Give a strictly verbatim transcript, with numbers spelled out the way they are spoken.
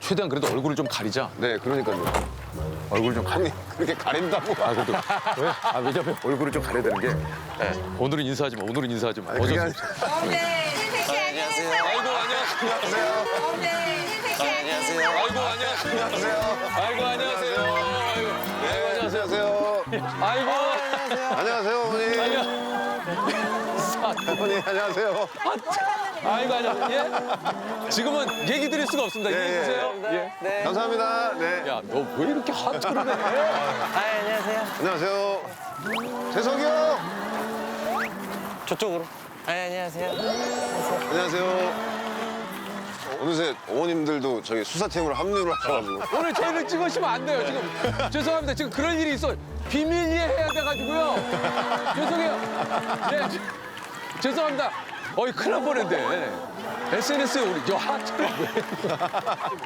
최대한 그래도 얼굴을 좀 가리자. 네, 그러니까요. 얼굴 좀 가리. 아니, 그렇게 가린다고. 아 그래도 왜? 아 왜냐면 얼굴을 좀 가려야 되는 게. 네. 오늘은 인사하지 마. 오늘은 인사하지 마. 아니, 그게 어쩔 수 아니- 없어. 네, 안녕하세요. 아이고 안녕하세요. 네, 안녕하세요. 아이고 안녕하세요. 안녕하세요. 아이고 안녕하세요. 아이고 네, 안녕하세요. 아이고. 안녕하세요, 어머니. 안녕. 어머니, 안녕하세요. 아이고 안녕. 예? 지금은 얘기 드릴 수가 없습니다. 예, 이해해 예. 주세요. 예. 네. 감사합니다. 네. 야, 너 왜 이렇게 하트를 해? 아, 안녕하세요. 안녕하세요. 재석이 형. 저쪽으로. 아, 안녕하세요. 안녕하세요. 어느새 어머님들도 저희 수사팀으로 합류를 하셔가지고. 오늘 저희를 찍으시면 안 돼요. 지금 죄송합니다. 지금 그런 일이 있어. 비밀리에 해야 돼가지고요. 죄송해요. 네, 저- 죄송합니다. 어이 큰일 날 뻔했네. 에스엔에스에 우리 저 하트를 왜?